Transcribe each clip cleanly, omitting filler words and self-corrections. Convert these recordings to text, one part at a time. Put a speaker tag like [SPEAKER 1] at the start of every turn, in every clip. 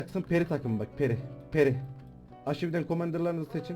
[SPEAKER 1] Yaksın peri takım bak peri. Peri. Aşividen komanderlarınızı seçin.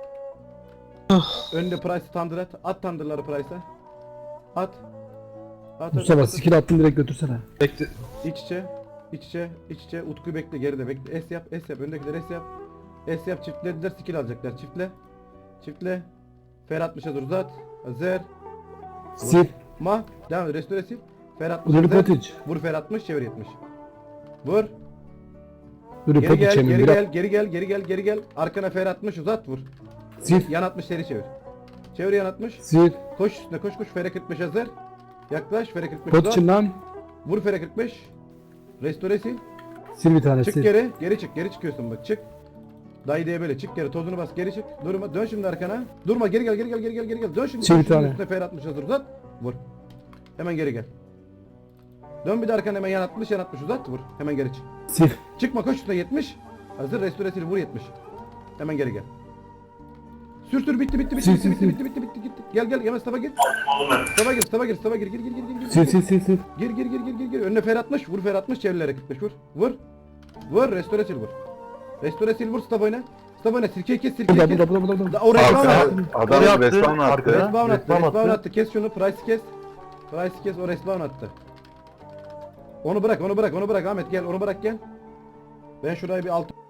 [SPEAKER 1] Önde Price'ı tandır at. At tandırları Price'a. At. At.
[SPEAKER 2] Mustafa skill attın direkt götürsene.
[SPEAKER 3] Bekle.
[SPEAKER 1] İç içe. İç içe. İç içe. Utku'yu bekle geride bekle. S yap. S yap. Öndekiler S yap. S yap. Çiftlediler. Skill alacaklar. Çiftle. Çiftle. Fer 60'a dur uzat. Hazır.
[SPEAKER 2] Sil.
[SPEAKER 1] Ma. Devam et. Restore sil. Fer 60
[SPEAKER 2] Dur
[SPEAKER 1] hazır.
[SPEAKER 2] potiç.
[SPEAKER 1] Vur Fer 60. Çevir 70. Vur.
[SPEAKER 2] Dur
[SPEAKER 1] Geri
[SPEAKER 2] potiç
[SPEAKER 1] gel.
[SPEAKER 2] emin
[SPEAKER 1] Geri
[SPEAKER 2] biraz.
[SPEAKER 1] gel. Geri gel. Geri gel. Geri gel. Arkana Fer 60 uzat vur.
[SPEAKER 2] Sil.
[SPEAKER 1] Yan 60 seri çevir. Çevir yan 60.
[SPEAKER 2] Sil.
[SPEAKER 1] Koş üstüne koş koş. Fere 45 hazır. Yaklaş. Fere 45
[SPEAKER 2] Potiç'in
[SPEAKER 1] uzat.
[SPEAKER 2] lan.
[SPEAKER 1] Vur Fere 45. Restore sil.
[SPEAKER 2] Sil bir tane
[SPEAKER 1] Çık
[SPEAKER 2] sil.
[SPEAKER 1] geri. Geri çık. Geri çıkıyorsun bak. Çık. Dayı diye böyle çık geri. Tozunu bas. Geri çık. Durma. Dön şimdi arkana. Durma. Geri gel. Geri gel. Geri gel. Geri gel. Dön şimdi.
[SPEAKER 2] Çevir
[SPEAKER 1] Koş şimdi
[SPEAKER 2] tane.
[SPEAKER 1] üstüne Fere 60 hazır uzat. Vur. Hemen geri gel. Dön bir de arkana hemen yan 60 yan 60 uzat. Vur. Hemen geri çık.
[SPEAKER 2] Sil.
[SPEAKER 1] Çıkma koş üstüne 70. Hazır. Restore sil. Vur 70. Hemen geri gel. Sür bitti bitti bitti
[SPEAKER 2] Sil,
[SPEAKER 1] bitti
[SPEAKER 2] sil,
[SPEAKER 1] bitti
[SPEAKER 2] sil.
[SPEAKER 1] bitti bitti bitti gitti. Gel gel Yemez Mustafa gir. Mustafa gir gir.
[SPEAKER 2] Sil sil sil sil.
[SPEAKER 1] Gir. Önüne fer 60. Vur fer 60 çevirlere 45 vur. Vur. Restore sil vur. Restore sil vur Mustafa oyna. Mustafa oyna sirkeyi kes sirkeyi kes.
[SPEAKER 2] Burada.
[SPEAKER 1] O respawn attı.
[SPEAKER 3] Adam respawn attı.
[SPEAKER 1] Respawn attı. Kes şunu. Price'ı kes. Price'ı kes. O respawn attı. Onu bırak Ahmet gel. Onu bırak gel. Ben şurayı bir alt